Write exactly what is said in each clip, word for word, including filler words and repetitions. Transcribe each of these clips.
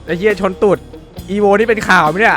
ไอ้เหี้ยชนตูดอีโวนี่เป็นข่าวไหมเนี่ย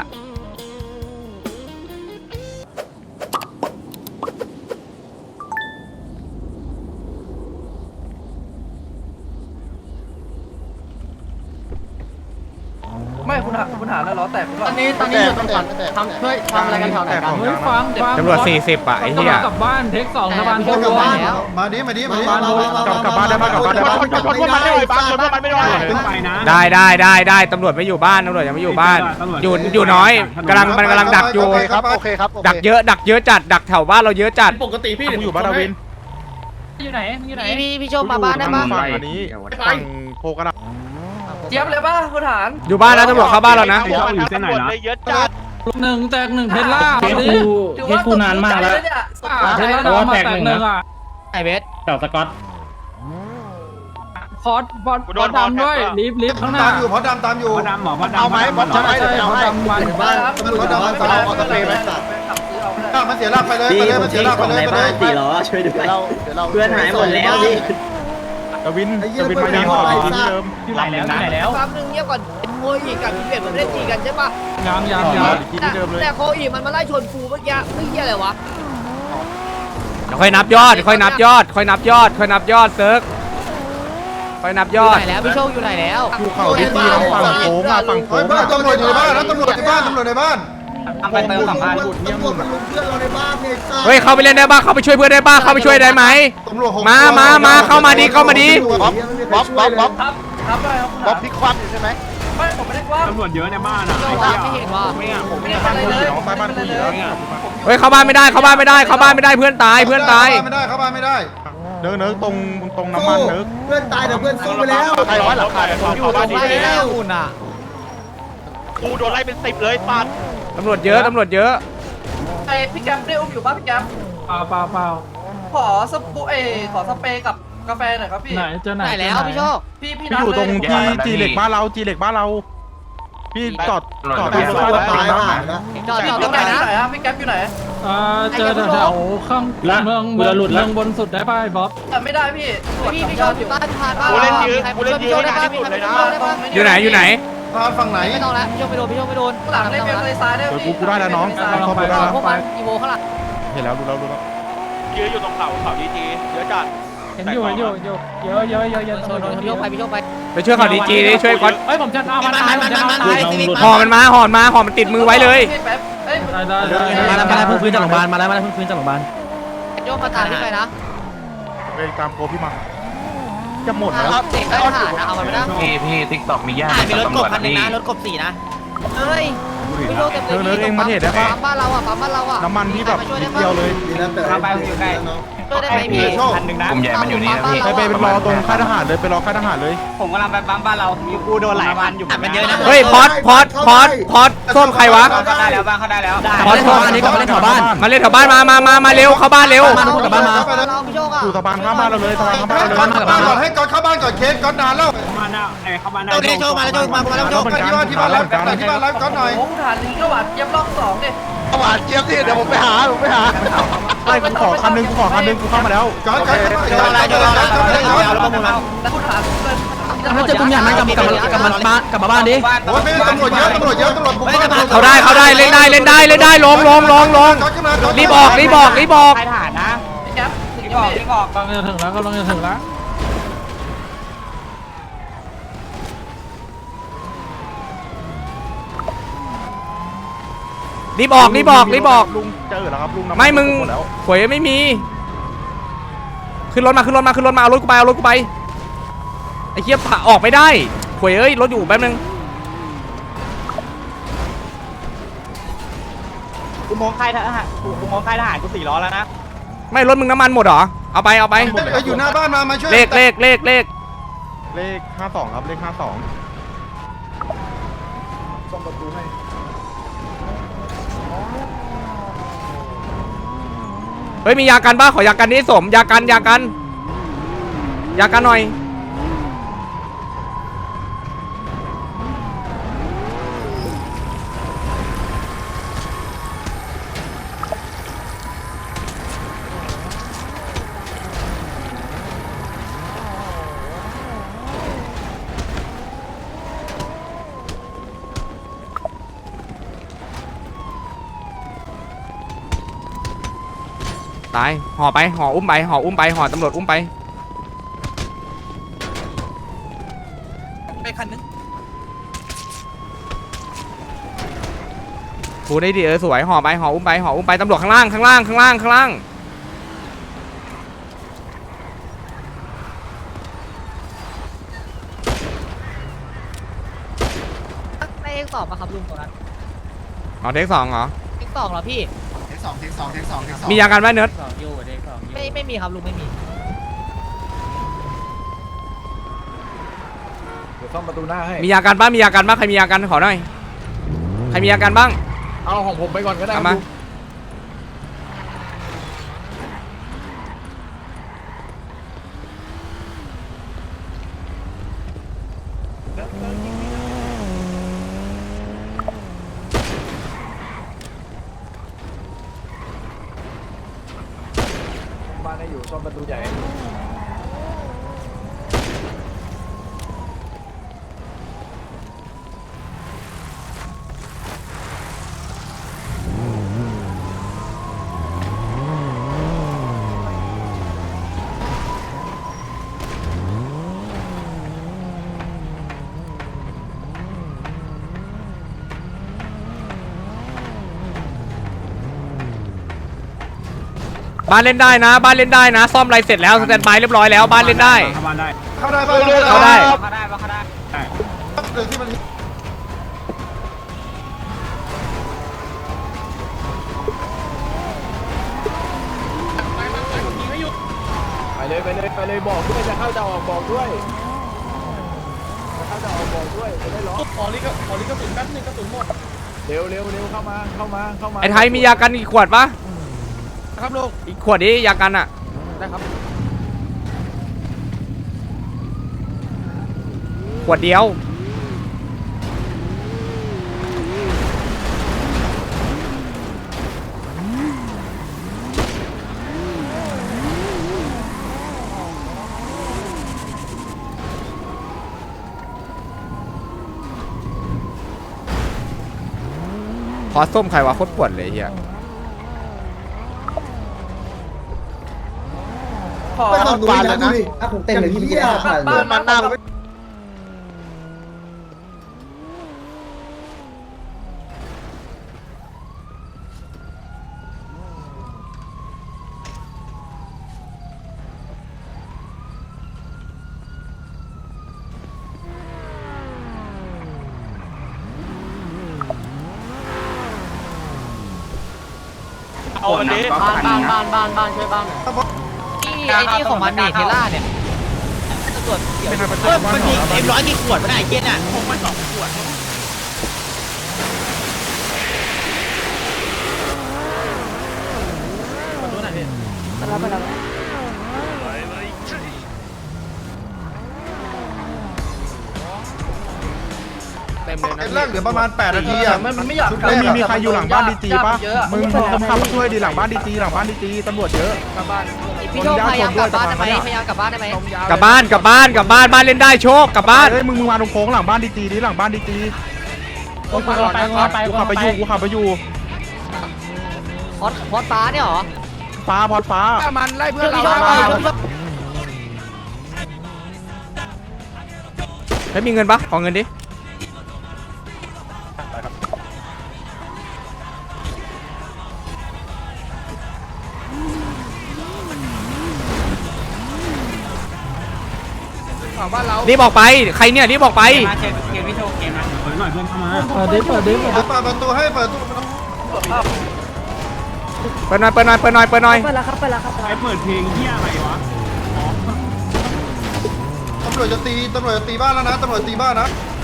ไม่คุณหาคุณหาแล้วล้อแตกคุณตอนนี้ตอนนี้อยู่ตรงก่อนทำช่วยทำอะไรกันแถวไหนกันเฮ้ยฟังฟังตำรวจสี่สิบอ่ะไอ้เหี้ยกลับบ้านเทคสองสะพานกลับบ้านแล้วมาดิมาดิมาดิกลับกลับบ้านได้ปะกลับบ้านได้ปะชนพวกมันไม่ได้บ้านชนพวกมันไม่ได้ขึ้นไปนะได้ได้ได้ได้ตำรวจไม่อยู่บ้านตำรวจยังไม่อยู่บ้านอยู่อยู่น้อยกำลังมันกำลังดักอยู่โอเคครับโอเคครับดักเยอะดักเยอะจัดดักแถวบ้านเราเยอะจัดปกติพี่อยู่บ้านดาวินอยู่ไหนอยู่ไหนพี่พี่โชคมาบ้านได้ปะฝั่งอันนี้ฝั่งโพกระดาษเจี๊ยบเลยป่ะคุณหารอยู่บ้านนะตำรวจเข้าบ้านเรานะอยู่เส้นไหนนะเยอะจัดหนึ่งแตกหนึ่งเทสลาถือว่ากูนานมากแล้วเนี่ยเทสลาดอมาแตกหนึ่งอ่ะไอเวสคอร์สบอสบอสบอสดำด้วยลิฟต์ลิฟต์ข้างหน้าตามอยู่เพราะดำตามอยู่พอดำหมอพอดำเอาไหมบอลจะให้ใช่เอาบอสให้ดำวันบ้านเพราะดำมันตามเอาสเปรย์ไหมมันเสียหลักไปเลยไปเลยมันเสียหลักไปเลยไปเลยสี่ล้อช่วยด้วยเราเดี๋ยวเราเพื่อนหายหมดแล้วพี่ดาวินดาวินมาดีก่อนที่เดิมอยู่ไหนแล้วอยู่ไหนแล้วแป๊บนึงเงียบก่อนโคอีกับพี่เป็ดมันไม่ได้ตีกันใช่ปะยางยางยางที่เดิมเลยแต่โคอีมันมาไล่ชนฟูเมื่อกี้ไม่เหี้ยอะไรวะเดี๋ยวค่อยนับยอดค่อยนับยอดค่อยนับยอดค่อยนับยอดเซิร์กค่อยนับยอยู่อดไหนแล้วพี่โชคอยู่ไหนแล้วภูเขาที่ตีเราฝั่งโค้งอ่ะฝั่งโค้เฮ้ยงบ้าอ่ะนตำรวจอยู่ในบ้านแล้วตำรวจในบ้านตำรวจในบ้านทำไปเติมสัมภาระเฮ้ยเข้าไปเล่นได้บ้างเข้าไปช่วยเพื่อนได้บ้างเข้าไปช่วยได้ไหมตำรวจมามามาเข้ามาดิเข้ามาดิบ๊อบบ๊อบบ๊อบบ๊อบครับครับได้ครับบ๊อบพลิกคว่ำอยู่ใช่ไหมไม่ผมไม่ได้กว้างตำรวจเยอะในบ้านอ่ะโชคไม่เห็นว่าผมไม่ได้อะไรเลยน้องใต้บ้านคุยแล้วเฮ้ยเข้าบ้านไม่ได้เข้าบ้านไม่ได้เข้าบ้านไม่ได้เพื่อนตายเพื่อนตายไม่ได้เข้าบ้านไม่ได้เนิร์กเนิร์กตรงตรงน้ำมันเนิร์กเพื่อนตายแต่เพื่อนสู้ไปแล้วใครร้อยหลังคาอยู่ตรงไล่แล้วอุ่นอ่ะกูโดนไล่เป็นสิบเลยปัดตำรวจเยอะตำรวจเยอะไอพี่แก๊ปได้อุ้มอยู่ป่ะพี่แก๊ปเปล่าเปล่าเปล่าขอสปูเอขอสเปรย์กับกาแฟหน่อยครับพี่ไหนเจอไหนไหนแล้วพี่โชคพี่พี่พี่อยู่ตรงจีจีเหล็กบ้านเราจีเหล็กบ้านเราพี่จอดจอดที่รถบ้านตายนะจอดพี่จอดตพี่รงไหนแก๊ปอยู่นะไหนอะพี่แก๊ปอยู่ไหนเอ่อเจอแถวข้างเมืองเมืองเมืองบนสุดได้ป่ะบ๊อบแต่ไม่ได้พี่พี่พี่โชคอยู่บ้านพานบ้านกูเล่นยื้อใครกูมาเล่ช่วยนพี่ยื้โชอคได้ปะที่สุดเลยนะอยู่ไหนอยู่ไหนทางฝั่งไหนไม่ต้องแล้วพี่โชคไปโดนพี่โชคไปโดนหลังเล่นเบียร์ทะเลทรายได้เดี๋ยวพี่กูกูได้แล้วน้องทะเลทรายเข้าไปได้แล้วพวกมันอีโวข้างหลังเห็นแล้วรู้แล้วรู้แล้วยื้ออยู่ตรงเขาเขาดีทีเยอะจัดเห็นอยู่เห็นอยู่เยอะเยอะเยอะเยอะเยอะโชคโดนพี่โชคไปพี่โชคไปไปช่วยเขาดีจีดิช่วยก่อนเฮ้ยผมจะเอามันตายผมจะเอามันตายห่อมันมาห่อมันมาห่อมันติดมือไว้เลยพี่แป๊บเอ้ยได้ได้ได้มาแล้วมาแล้วเพิ่งฟื้นจากโรงพยาบาลมาแล้วมาแล้วเพิ่งฟื้นจากโรงพยาบาลโยกมาตามพี่ไปนะไปตามโกพี่มาจะหมดแล้วเด็กได้ผ่านนะเอามันไม่ได้พี่พี่ติ๊กต็อกมีญาติมีรถกบคันนึงนะรถกบสี่นะเฮ้ยพี่โชคเต็มเลยเนิร์กเองมาเทรดได้ปะปั๊มบ้านเราอ่ะปั๊มบ้านเราอ่ะน้ำมันพี่แบบนิดเดียวเลยมาไปอยู่ใกล้ช่วยได้ไหมพี่คันนึงนะกลุ่มใหญ่มันอยู่นี่นะพี่ไปไปไปรอตรงค่ายทหารเลยไปรอค่ายทหารเลยผมกำลังไปปั๊มบ้านเรามีกูโดนหลายพันอยู่มันเยอะนะเฮ้ยพอดพอดพอดพอดส้มใครวะเขาได้แล้วบ้างเขาได้แล้วพอดพอดอันนี้ก็มาเล่นแถวบ้านมาเล่นแถวบ้านมามามามาเร็วเข้าบ้านเร็วเราพี่โชคอ่ะอยู่สะพานข้ามบ้านเราเลยสะพานข้ามบ้านให้เราก่เลอนยเข้าบ้านก่อนให้ก่อนเข้าบ้านก่อนเคสก่อนนานแล้วมาหน้าไอ้เข้ามาหน้าโชคโชคมาแล้วโชคมาแล้วโชคที่บ้านที่บ้านไลฟ์ก่อนหน่อยที่บ้านไลฟ์ก่อนหน่อยโอ้คุณหารนี้ก็หวานเจี๊ยบรอบสองดิหวานเจี๊ยบที่เดี๋ยวผมไปหาผมไปหาไอ้กูขอคันนึงกูขอคันนึงกูเข้ามาแล้วก่อนก่อนก่อนก่อนก่อนก่อนก่อนก่อนแล้วคุณหารเกินถ้าเจอกลุ่มใหญ่มันกลับกลับกลับมากลับมาบ้านดิโอ้ยไม่ตำรวจเยอะตำรวจเยอะตำรวจบุกบ้านเขาได้เขาได้เล่นได้เล่นได้เล่นได้ลงลงลงลงรีบออกรีบออกรีบออกใครทหารนะพี่แก๊ปถึงรีบจะออกพี่รีบออกกำลังจะถึงแล้วกำลังจะถึงแล้วรีบออกรีบออกรีบออกลุงเจอแล้วครับลุงไม่มึงหวยไม่มีขึ้นรถมาขึ้นรถมาขึ้นรถมาเอารถกูไปเอารถกูไปไอ้เหี้ยผ่าออกไม่ได้หวยเอ้ยรถอยู่แป๊บนึงกูมองค่ายทหารกูมองค่ายทหารกูสี่ล้อแล้วนะไม่รถมึงน้ำมันหมดเหรอเอาไปเอาไปอยู่หน้าบ้านมามาช่วยเลขเลขเลขเลขเลขห้าสองครับเลขห้าสองเฮ้ยมียากันบ้าขอยากันนี้สมยากันยากันยากันหน่อยตายห่อไปห่ออุ้มไปห่ออุ้มไปห่อตำรวจอุ้มไปไปคันนึงพูดได้ดีเออสวยห่อไปห่ออุ้มไปห่ออุ้มไปตำรวจข้างล่างข้างล่างข้างล่างข้างล่างในเอ็กสองป่ะครับลุงตรงนั้นอ๋อเทคสองเหรอเอ็กสองเหรอพี่เทคสองเทคสองเทคสองเทคสองมียากันไหมเนิร์ดสองยูเด็กสองยูไม่ไม่มีครับลุงไม่มีเดี๋ยวซ่อมประตูหน้าให้มียากันบ้างมียากันบ้างใครมียากันขอหน่อยใครมียากันบ้างเอาของผมไปก่อนก็ได้เอามาบ้านให้อยู่ซ่อมประตูใหญ่บ้านเล่นได้นะ บ้านเล่นได้นะ ซ่อมอะไรเสร็จแล้วสแตนบายเรียบร้อยแล้วบ้านเล่นได้เข้าบ้านได้เข้าได้ป่ะเข้าได้เขาได้ปะเขาได้เดี๋ยวที่มันไปเลยไปเลยไปเลยบอกด้วยจะเข้าจะออกบอกด้วยจะเข้าจะออกบอกด้วยจะได้ล็อกขอลิกขอลิกกระสุนแป๊บนึงกระสุนหมดเร็วเร็วเร็วเข้ามาเข้ามาเข้ามาไอ้ไทยมียากันอีกขวดปะครับลุงอีกขวดนี้ยากันอะได้ครับขวดเดียวขอส้มใครวะโคตรปวดเลยเฮียขอไม่ต้องดูนะดูดิเต็มเลยพี่บ้านมันนั่งเอาอันนี้บ้านบ้านบ้านบ้านบ้านช่วยบ้านหน่อยที่ไอ้ที่ของมันนี่เทล่าเนี่ยตำรวจเกี่ยวมันมีเอ็มร้อยกี่ขวดมันไอ้เย็นอ่ะผมไปสองขวดเต็มเลยนะเอ็นแรกเหลือประมาณแปดนาทีอ่ะมันมันไม่อยากไม่มีมีใครอยู่หลังบ้านดีจีปะเยอะมึงมึงต้องเข้ามาช่วยดีหลังบ้านดีจีหลังบ้านดีจีตำรวจเยอะพี่โชคพยายามกลับบ้านได้ไหมพยายามกลับบ้านได้ไหมกลับบ้านกลับบ้านกลับบ้านบ้านเล่นได้โชคกลับบ้านเฮ้ยมึงมึงมาตรงโค้งหลังบ้านดีจีดิหลังบ้านดีจีกูไปกูไปกูไปกูขับไปอยู่กูขับไปอยู่พอดพอดฟ้าเนี่ยเหรอฟ้าพอดฟ้ามันไล่เพื่อนพี่เราโชคไปพี่โชคแล้วมีเงินปะขอเงินดิรีบออกไปใครเนี่ยรีบออกไปมาเกมเกมไม่โชว์เกมนะเปิดหน่อยเพื่อนเข้ามาเปิดดิเปิดดิเปิดประตูให้เปิดตู้เปิดหน่อยเปิดหน่อยเปิดหน่อยเปิดหน่อยเปิดแล้วครับเปิดแล้วครับไอ้เปิดเพลงเฮียอะไรวะตำรวจจะตีตำรวจจะตีบ้านแล้วนะตำรวจตีบ้านนะ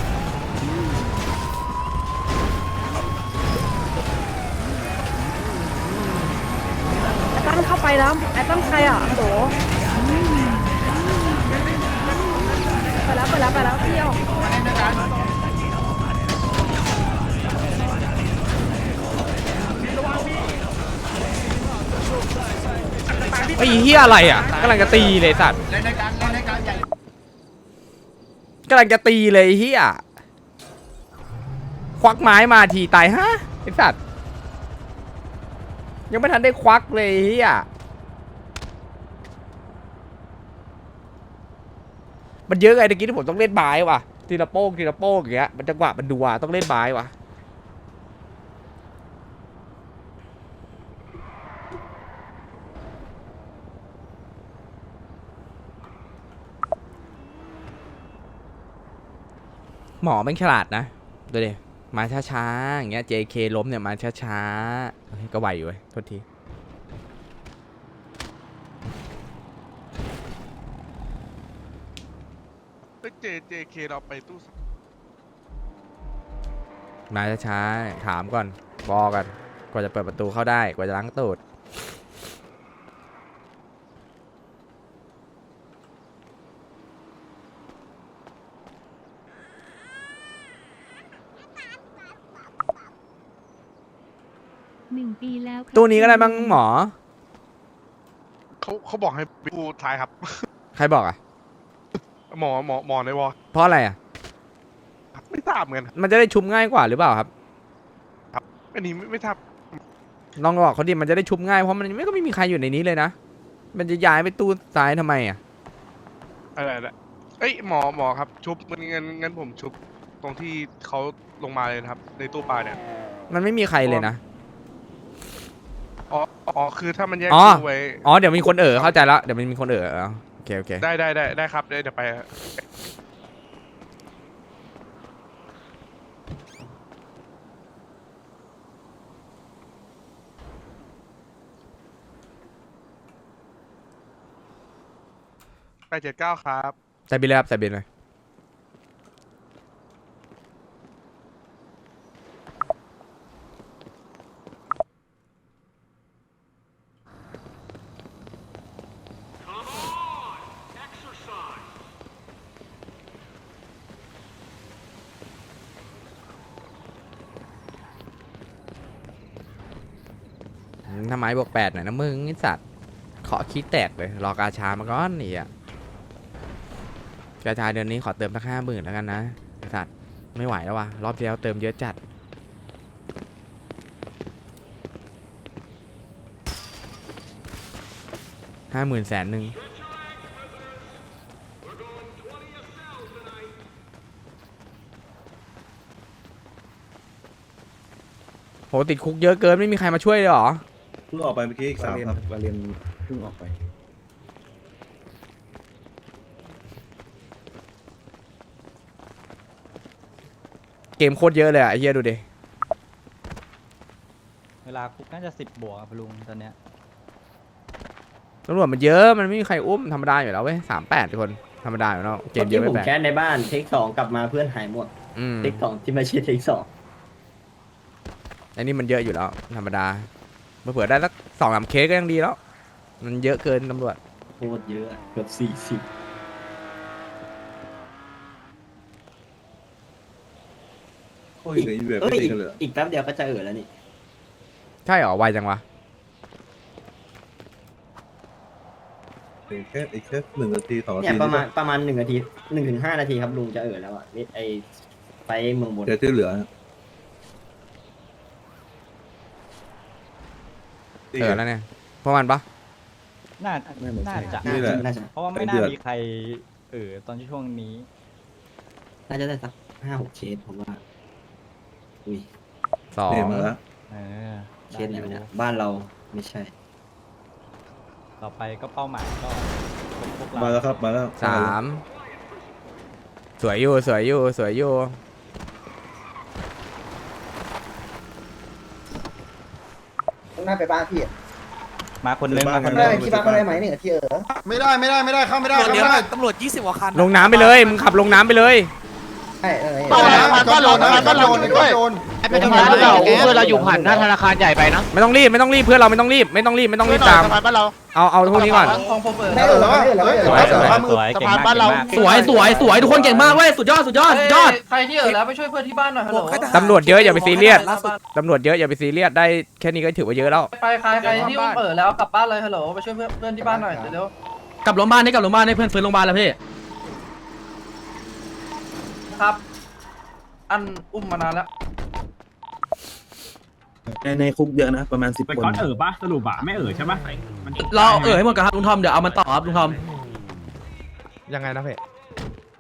ไอ้ตั้มเข้าไปแล้วไอ้ตั้มใครอ่ะโหไปแล้วไปแล้วไปแล้วพี่ออกไอ้เหี้ยอะไรอ่ะกำลังจะตีเลยสัตว์กำลังจะตีเลยไอ้เหี้ยควักไม้มาทีตายฮะไอ้สัตว์ยังไม่ทันได้ควักเลยไอ้เหี้ยมันเยอะไงตะกี้ที่ผมต้องเล่นบายว่ะทีละโป้งทีละโป้งอย่างเงี้ยมันจังหวะมันดูอ่ะต้องเล่นบายว่ะหมอแม่งฉลาดนะดูดิมาช้าๆอย่างเงี้ย เจ เค ล้มเนี่ยมาช้าๆเฮ้ยก็ไหวอยู่เว้ยโทษทีเจ เจ เค เราไปตู้มาช้าๆถามก่อนบอกกันกว่าจะเปิดประตูเข้าได้กว่าจะล้างตูดหนึ่งปีแล้วตู้นี้ก็ได้บ้างหมอเขาเขาบอกให้ตู้ท้ายครับใครบอกอ่ะหมอหมอหมอในวอเพราะอะไรอ่ะไม่ทราบเหมือนกันมันจะได้ชุบง่ายกว่าหรือเปล่าครับอันนี้ไม่ไม่ทราบลองบอกเขาดิมันจะได้ชุบง่ายเพราะมันไม่ก็ไม่มีใครอยู่ในนี้เลยนะมันจะย้ายไปตู้ซ้ายทำไมอ่ะอะไรอะไรเอ้ยหมอหมอครับชุบเงินเงินงั้นผมชุบตรงที่เขาลงมาเลยนะครับ ในตู้ปลาเนี่ยมันไม่มีใครเลยนะอ๋ออ๋อคือถ้ามันแยกอ๋อตู้ไว้อ๋อเดี๋ยวมีคนเอ่อเข้าใจแล้วเดี๋ยวมันมีคนเอ่อเอาโอเคโอเคได้ได้ได้ได้ครับได้เดี๋ยวไปครับ ไปเจ็ดเก้าครับใส่บินเลยครับใส่บินเลยทำไมบวกแปดหน่อยนะมึงไอ้สัตว์เคาะขี้แตกเลยรอกาชามาก่อนนี่อ่ะกาชาเดือนนี้ขอเติมสักห้าหมื่นแล้วกันนะไอ้สัตว์ไม่ไหวแล้ววะรอบที่แล้วเติมเยอะจัดห้าหมื่นแสนหนึ่งโหติดคุกเยอะเกินไม่มีใครมาช่วยเลยเหรอเพิ่งออกไปเมื่อกี้อีกสามครับวาเลนเพิ่งออกไปเกมโคตรเยอะเลยอ่ะไอ้เหี้ยดูดิเวลาคุกน่าจะสิบบวกครับลุงตอนเนี้ยตำรวจมันเยอะมันไม่มีใครอุ้มธรรมดาอยู่แล้วเว้ยสามแปดทุกคนธรรมดาอยู่แล้วเกมเยอะไม่ผมแปลกแค่ในบ้านเทคสองกลับมาเพื่อนหายหมดอืมเทคสองที่ไม่ใช่เทคสองอันนี้มันเยอะอยู่แล้วธรรมดาเผื่อได้สักสองสามเคสก็ยังดีแล้วมันเยอะเกินตำรวจโคตรเยอะเกือบสี่สิบโอ้ยเหลืออีกแบบเอ้ยไม่อีตีกกันเลยอีกแป๊บเดียวก็จะเออแล้วนี่ใช่เหรอไวจังวะอีกแค่อีกแค่หนึ่งนาทีสองนาเนี่ยทีประมาณประมาณหนึ่งนาทีหนึ่งถึงห้านาทีครับลุงจะเออแล้วอ่ะนี่ไอไปเมืองบนเดี๋ยวที่เหลือเออแล้วเนี่ยพวกมันปะน่าน่าจะนี่แหละน่าจะเพราะว่าไม่น่ามีใครเออตอนช่วงนี้น่าจะได้สักห้าหกเคสผมว่าอุ้ยสองนี่มาแล้วเออเคสไหนวะเนี่ยบ้านเราไม่ใช่ต่อไปก็เป้าหมายก็เป็นพวกเรามาแล้วครับมาแล้วสามสวยอยู่สวยอยู่สวยอยู่ต้องน่าไปบ้านพี่มาคนนึงมาคนนึได้งที่บ้านก็ได้ไหมเนี่ยที่เออไม่ได้ไม่ได้ไม่ได้เข้าไม่ได้เข้าไม่ได้ตำรวจยี่สิบกว่าคันลงน้ำไปเลยมึงขับลงน้ำไปเลยใช่อะไรบ้านเราบ้านเราบ้านเราด้วยไปทำงานเราเพื่อเราอยู่ผ่านหน้าธนาคารใหญ่ไปนะไม่ต้องรีบไม่ต้องรีบเพื่อนเราไม่ต้องรีบไม่ต้องรีบไม่ต้องรีบตามเอาเอาพวกนี้ก่อนของผมเปิดได้เออแล้วได้เออแล้วได้เออสวยสวยเก่งมากเก่งมากสวยสวยสวยทุกคนเก่งมากเว้ยสุดยอดสุดยอดสุดยอดใครที่เออแล้วไปช่วยเพื่อนที่บ้านหน่อยฮัลโหลตำรวจเยอะอย่าไปซีเรียสตำรวจเยอะอย่าไปซีเรียสได้แค่นี้ก็ถือว่าเยอะแล้วไปใครใครที่เปิดแล้วกลับบ้านเลยฮัลโหลไปช่วยเพื่อนเพื่อนที่บ้านหน่อยเร็วกลับโรงพยาบาลนี่กลับโรงพยาบาลให้เพื่อนฟื้นโรงพยาบาลแล้วพี่ๆครับ อันอุ้มมานานแล้วในในคุกเยอะนะประมาณสิบแต่คนก้อนเอ๋อปะสรุปอะไม่เอ๋อใช่ปะมันเราเออให้หมดกันครับลุงทอมเดี๋ยวเอามันต่อครับลุงทอมยังไงนะเพ่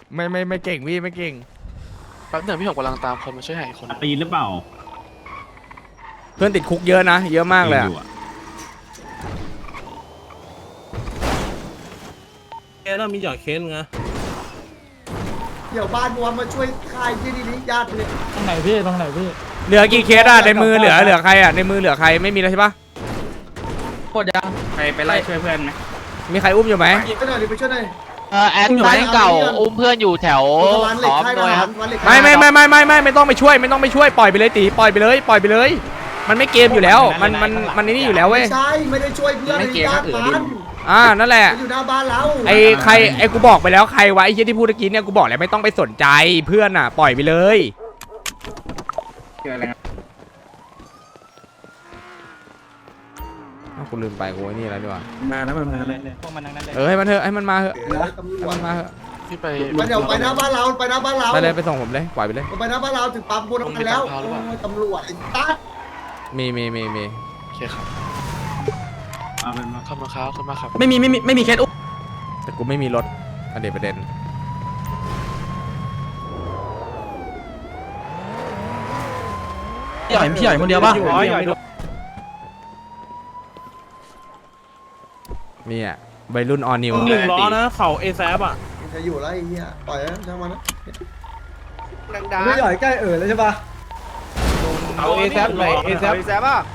ไม่ไม่ไม่เก่งพี่ไม่เก่งแป๊บหนึ่งพี่ผมกำลังตามคนมาช่วยหาคนตีหรือเปล่าเพื่อนติดคุกเยอะนะเยอะมากเลยอะแกน่ามีหยอดเค้นไงเดี๋ยวบ้านบัวมาช่วยคายที่นี่ญาติเลยตรงไหนพี่ตรงไหนพี่เหลือกี่เคสอะในมือเหลือเหลือใครอะในมือเหลือใครไม่มีแล้วใช่ปะหมดยังไปไปไล่ช่วยเพื่อนไหมมีใครอุ้มอยู่ไหมไปหน่อยดิไปช่วยหน่อยเออแอดบ้านเก่าอุ้มเพื่อนอยู่แถวร้านเหล็ขกอค่ายทหน่วยหาครรับร้านเหล็กไม่ไม่ไม่ไม่ไม่ไม่ไม่ต้องไปช่วยไม่ต้องไปช่วยปล่อยไปเลยตีปล่อยไปเลยปล่อยไปเลย มันไม่เกมอยู่แล้วมันมันมันนี่อยู่แล้วเว้ยไม่ใช่ไม่ได้ช่วยเพื่อนในญาติมันอ่านั่นแหละอยู่หน้าบ้านเราไอ้ใครไอ้กูบอกไปแล้วใครวะไอ้เหี้ยที่พูดเมื่อกี้เนี่ยกูบอกแล้วไม่ต้องไปสนใจเพื่อนอ่ะปล่อยไปเลยอ้าวกูลืมไปกูไอ้นี่แล้วดีกว่ามาแล้วมันมาเลยพวกมันทั้งนั้นเลยเออให้มันเถอะให้มันมาเถอะเดี๋ยวตำรให้วมัจนมาเถอะพี่ไปมันเดี๋ยวไปหน้าบ้านเราไปหน้าบ้านเราไปเลยไปส่งผมเลยปล่อยไปเลยไปหน้าบ้านเราถึงปั๊มบุญกันแล้วโอ้ยตำรวจไอ้ตั๊ดมีมีมีมีโอเคครับเอาเป็นว่าขอบคุณครับขอบคุณมากครับไม่มีไม่มีไม่มีเคสอุ้มแต่กูไม่มีรถอันเด็ดประเด็นพี่ใหญ่พี่ใหญ่คนเดียวป่ะอ๋อหยอดมีอ่ะวัยรุ่นออนิวหนึ่งล้อนะเขาเอแซบอ่ะจะอยู่แล้วไอ้เหี้ยปล่อยแล้วช่างมันนะไม่หย่อยใกล้เออแล้วใช่ปะเอาเอแซบไหนเอแซบแซ่บอ่ะ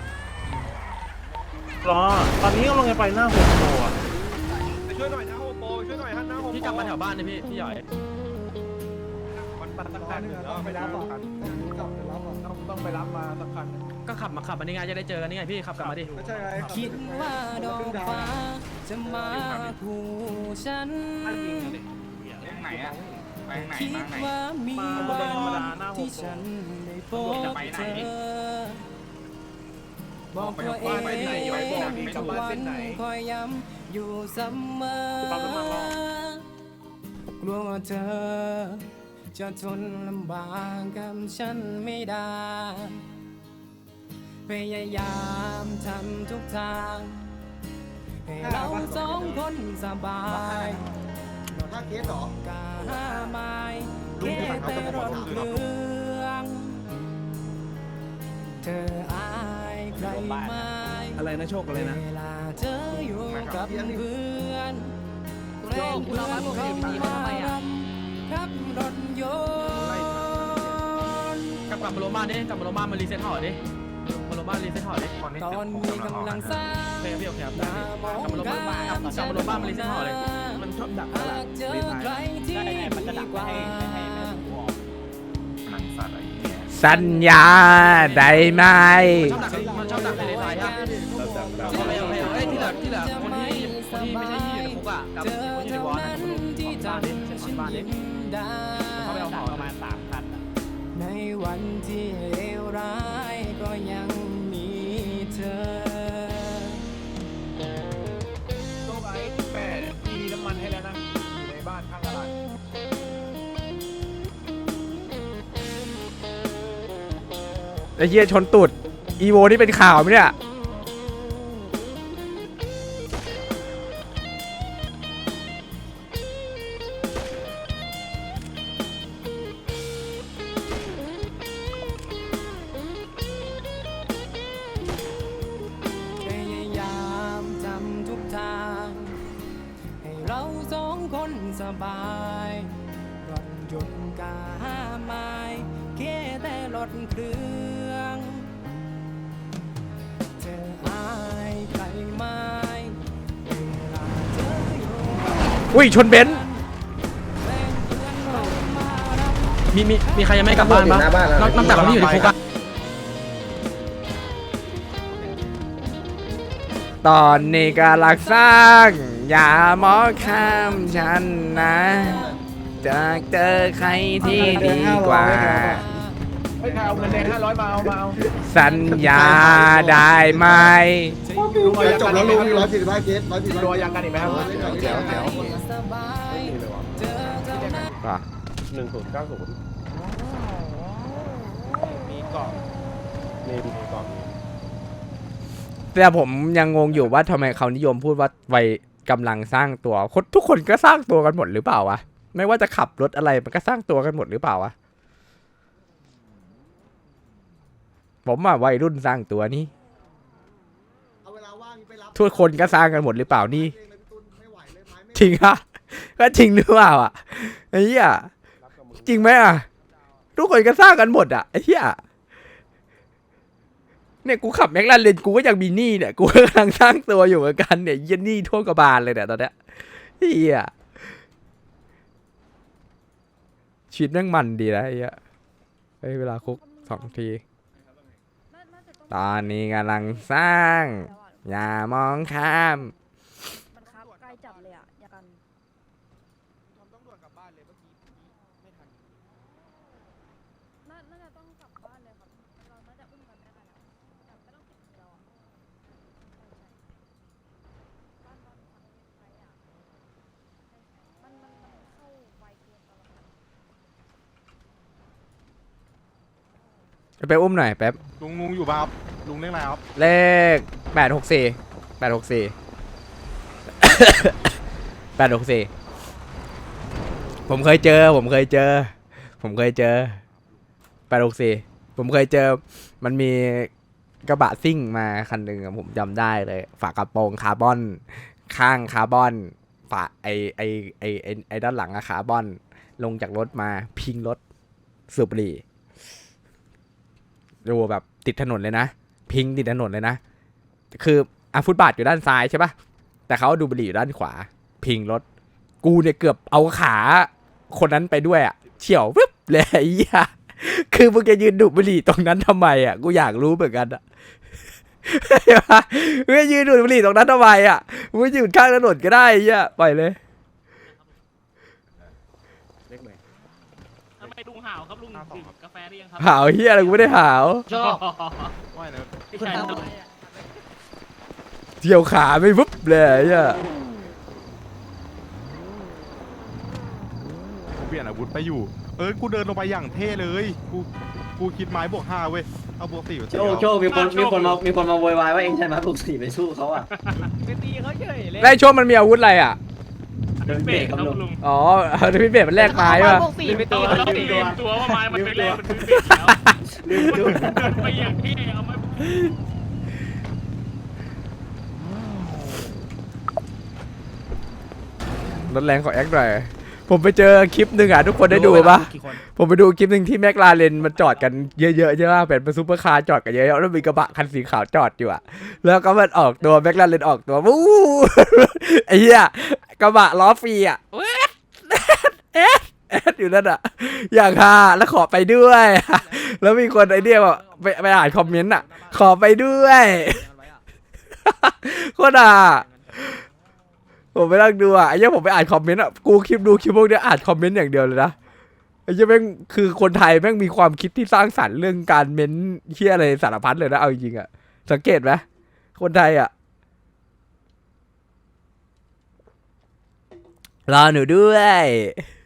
ล้อตอนนี้กำลังจะไปหน้าโฮมโปรอ่ะไปช่วยหน่อยนะโฮโปช่วยหน่อยฮะหน้าโฮโปพี่กลับมาแถวบ้านเลยพี่พี่ใหญ่มันปัดสักคันหนึ่งแล้วไปรับสักคันต้องต้องไปรับมาสักคันก็ขับมาขับมานี่ไงจะได้เจอกันนี่ไงพี่ขับกลับมาดิไม่ใช่ไงคิดว่าดอกฟ้าจะมาคู่ฉันไหนอะไปไหนคิมาดไหนว่ามีมาบนถนนธรรมดาหน้าโฮมที่โปรฉันได้พบจะไปไหนเธอบอกตัวเองไปไหนไปบอกดีกลับบ้านเส้นไหนคอยย้ำอยู่เสมอปั๊มน้ำมันรอกลัวว่าเธอ จะทนลำบากกับฉันไม่ได้ พยายามทำทุกทาง ให้เราสองคนสบายถ้าเคสหรอกาไม้แค่แต่รถเครื่อง เธออายใครไหมอะไรนะโชคอะไรนะเวลาเธออยู่กับเพื่อนแรงเพื่อนเข้ามารำขับรถยนต์กลับกลับมาโรงพยาบาลดิกลับมาโรงพยาบาลมารีเซ็ตหอดิมาโรงพยาบาลรีเซ็ตหอดิตอนนี้กำลังสร้างโอเคพี่โอเคครับได้กลับมาโรงพยาบาลกลับมาโรงพยาบาลมารีเซ็ตหอเลยมันชอบดักตลาดเจอใครที่ดีกว่าสัญญาได้ไหมชอบดักมันชอบดักในไทยครับโอเคโอเคเอ้ยที่เหลือที่เหลือคนที่คนที่ไม่ใช่ที่อยู่ในคุกอ่ะกับคนที่อยู่ในวอร์นะที่ทำให้ฉันบ้านนี้เขาไปเอาของประมาณสามพันในวันที่เลวร้ายก็ยังมีเธอโชคไอ้แปดมีน้ำมันให้แล้วนะอยู่ในบ้านข้างตลาดไอ้เหี้ยชนตุดอีโวนี่เป็นข่าวไหมเนี่ยพยายามทำทุกทาง ให้เราสองคนสบายรถยนต์กาไม้แค่แต่รถเครื่องเธออายใครไหมเวลาเธออยู่อุ้ยชนเบนซ์มีมีมีใครยังไม่กลับบ้านปะนอกจากคนที่อยู่ในคุกอะตอนนี้กำลังสร้าง อย่ามองข้ามฉันนะจะเจอใครที่ดีกว่าเฮ้ยใครเอาเงินแดงห้าร้อยมาเอามาเอาสัญญาได้ไหมลุงจะจบแล้วลุงร้อยสี่สิบห้าเคสร้อยสี่สิบรัวยังกันอีกไหมครับเดี๋ยวเดี๋ยวอ่ะหนึ่งศูนย์เก้าศูนย์มีกล่องมีมีกล่องแต่ผมยังงงอยู่ว่าทำไมเขานิยมพูดว่าวัยกำลังสร้างตัวคนทุกคนก็สร้างตัวกันหมดหรือเปล่าวะไม่ว่าจะขับรถอะไรมันก็สร้างตัวกันหมดหรือเปล่าวะผมอะวัยรุ่นสร้างตัวนี่ทุกคนก็สร้างกันหมดหรือเปล่านี่จริงอะก็จริงหรือเปล่าอะไอ้เหี้ยจริงไหมอะทุกคนก็สร้างกันหมดอะไอ้เหี้ยเนี่ยกูขับแม็กลาเรนกูก็ยังมีหนี้เนี่ยกูกำลังสร้างตัวอยู่เหมือนกันเนี่ยยันหนี้ท่วมกระบาลเลยเนี่ยตอนเนี้ยเหี้ยชีวิตแม่งมันดีนะไอ้เหี้ยเฮ้ยเวลาคุกสองทีตอนนี้กำลังสร้าง อย่ามองข้ามมันครับใกล้จับเลยอ่ะอย่ากันน่าน่าจะต้องกลับบ้านเลยครับเราน่าจะอุ้มกันไม่ได้แล้วแต่ไม่ต้องถึงเราอ่ะบ้านบ้านใครอ่ะมันมันมันเข้าไวเกินตอนละไปอุ้มหน่อยแป๊บลุงลุงอยู่ป่ะครับลุงเรียกอะไรครับเลขแปดหกสี่แปดหกสี่ แปดหกสี่ผมเคยเจอ ผมเคยเจอ ผมเคยเจอแปดหกสี่ผมเคยเจอมันมีกระบะซิ่งมาคันหนึ่งอะผมจำได้เลยฝากระโปรงคาร์บอนข้างคาร์บอนฝาไอไอไอไอไอด้านหลังอะคาร์บอนลงจากรถมาพิงรถสูบบุหรี่ดูแบบติดถนนเลยนะพิงติดถนนเลยนะคืออะฟุตบาทอยู่ด้านซ้ายใช่ปะแต่เขาดูบุหรี่อยู่ด้านขวาพิงรถกูเนี่ยเกือบเอาขาคนนั้นไปด้วยอะเฉี่ยวปึ๊บเลยไอ้เหี้ยคือมึงจะยืนดูบุหรี่ตรงนั้นทำไมอะกูอยากรู้เหมือนกันอะมึงจะยืนดูบุหรี่ตรงนั้นทำไมอะมึงยืนข้างถนนก็ได้ไอ้เหี้ยปล่อยเลยทำไมลุงหาวครับลุงดื่มกาแฟหรือยังครัหาวเหี้ยอะไรกูไม่ได้หาวชอบว่าไงนะพี่ชายเฉี่ยวขาไม่ปุ๊บเลยไอ้เหี้ยกูเปลี่ยนอาวุธไปอยู่เออกูเดินลงไปอย่างเท่เลยกูกูคิดไม้บวกห้าเว้ยเอาบวกสี่โชคโชคมีคนมีคนมามีคนมาโวยวายว่าเองใช่ไหมปลุกสีไปสู้เขาอ่ะไปตีเขาเฉยเลยไล่ช่วงมันมีอาวุธอะไรอ่ะเดินเบรกครับลุงอ๋อเอาพี่เบสมันแลกไม้ป่ะไปตีเขาตีตัวว่าไม้มันเป็นแรงมันเป็นเบรกแล้วลืมดูไปอย่างที่เอามารถแรงขอแอคหน่อยผมไปเจอคลิปหนึ่งอ่ะทุกคนได้ดูปะผมไปดูคลิปหนึ่งที่แม็กลาเรนมันจอดกันเยอะๆใช่ป่ะเป็นซูเปอร์คาร์จอดกันเยอะๆแล้วมีกระบะคันสีขาวจอดอยู่อ่ะแล้วก็มันออกตัวแม็กลาเรนออกตัววู้ไอ้เหี้ยกระบะล้อฟรีอ่ะเอ๊ะเอ๊ะอยู่นั่นอ่ะอย่างฮาแล้วขอไปด้วย แล้วมีคนไอเดียบอกไปไปอ่านคอมเมนต์อ่ะขอไปด้วยโคตรอ่ะผมไปนั่งดูอ่ะไอ้เหี้ยผมไปอ่านคอมเมนต์อ่ะกูคลิปดูคลิปพวกเนี้ยอ่านคอมเมนต์อย่างเดียวเลยนะไอ้เหี้ยแม่งคือคนไทยแม่งมีความคิดที่สร้างสรรค์เรื่องการเม้นเหี้ยอะไรสารพัดเลยนะเอาจริงๆอ่ะสังเกตไหมคนไทยอ่ะรอหนูด้วย